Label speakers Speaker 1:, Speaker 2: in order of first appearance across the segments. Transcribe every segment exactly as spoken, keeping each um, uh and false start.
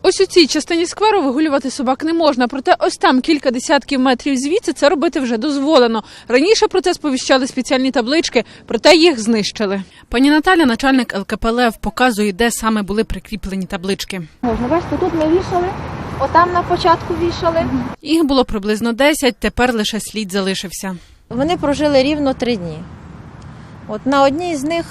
Speaker 1: Ось у цій частині скверу вигулювати собак не можна, проте ось там кілька десятків метрів звідси це робити вже дозволено. Раніше про це сповіщали спеціальні таблички, проте їх знищили. Пані Наталя, начальник ел ка пе ел е ве, показує, де саме були прикріплені таблички.
Speaker 2: Можна, бачите, тут ми вішали, отам на початку вішали.
Speaker 1: Їх було приблизно десять, тепер лише слід залишився.
Speaker 2: Вони прожили рівно три дні. От на одній з них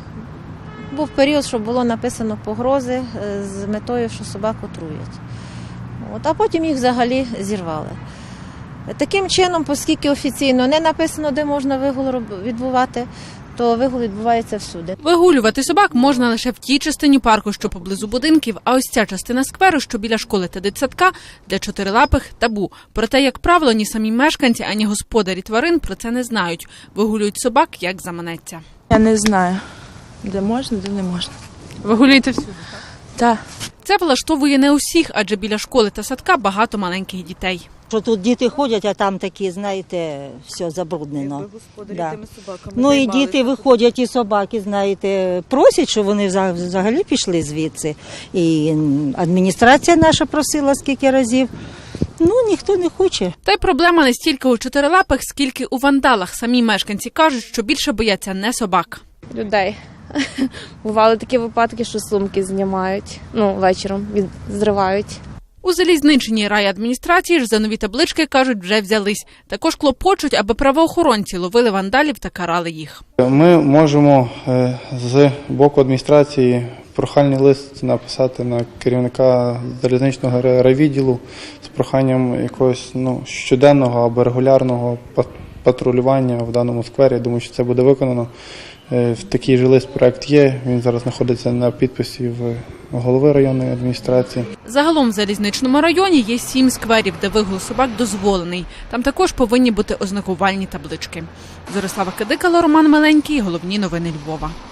Speaker 2: був період, що було написано погрози з метою, що собаку труять. От, а потім їх взагалі зірвали. Таким чином, оскільки офіційно не написано, де можна вигул відбувати, то вигул відбувається всюди.
Speaker 1: Вигулювати собак можна лише в тій частині парку, що поблизу будинків, а ось ця частина скверу, що біля школи та дитсадка, для чотирилапих – табу. Проте, як правило, ні самі мешканці, ані господарі тварин про це не знають. Вигулюють собак, як заманеться.
Speaker 3: Я не знаю, де можна, де не можна.
Speaker 1: Вигулюєте всюди?
Speaker 3: Так.
Speaker 1: Це влаштовує не усіх, адже біля школи та садка багато маленьких дітей.
Speaker 4: Що тут діти ходять, а там такі, знаєте, все забруднено. Да. Ну і діти виходять, і собаки, знаєте, просять, щоб вони взагалі пішли звідси. І адміністрація наша просила скільки разів. Ну, ніхто не хоче.
Speaker 1: Та й проблема не стільки у чотирилапих, скільки у вандалах. Самі мешканці кажуть, що більше бояться не собак.
Speaker 5: Людей. Бували такі випадки, що сумки знімають, ну, вечором від... зривають.
Speaker 1: У залізничній райадміністрації ж за нові таблички, кажуть, вже взялись. Також клопочуть, аби правоохоронці ловили вандалів та карали їх.
Speaker 6: Ми можемо з боку адміністрації прохальний лист написати на керівника залізничного райвідділу з проханням якогось ну, щоденного або регулярного патрулювання в даному сквері. Я думаю, що це буде виконано. В такий же лист проект є, він зараз знаходиться на підписі в голови районної адміністрації.
Speaker 1: Загалом в залізничному районі є сім скверів, де вигул собак дозволений. Там також повинні бути ознакувальні таблички. Зорислава Кадикало, Роман Миленький, головні новини Львова.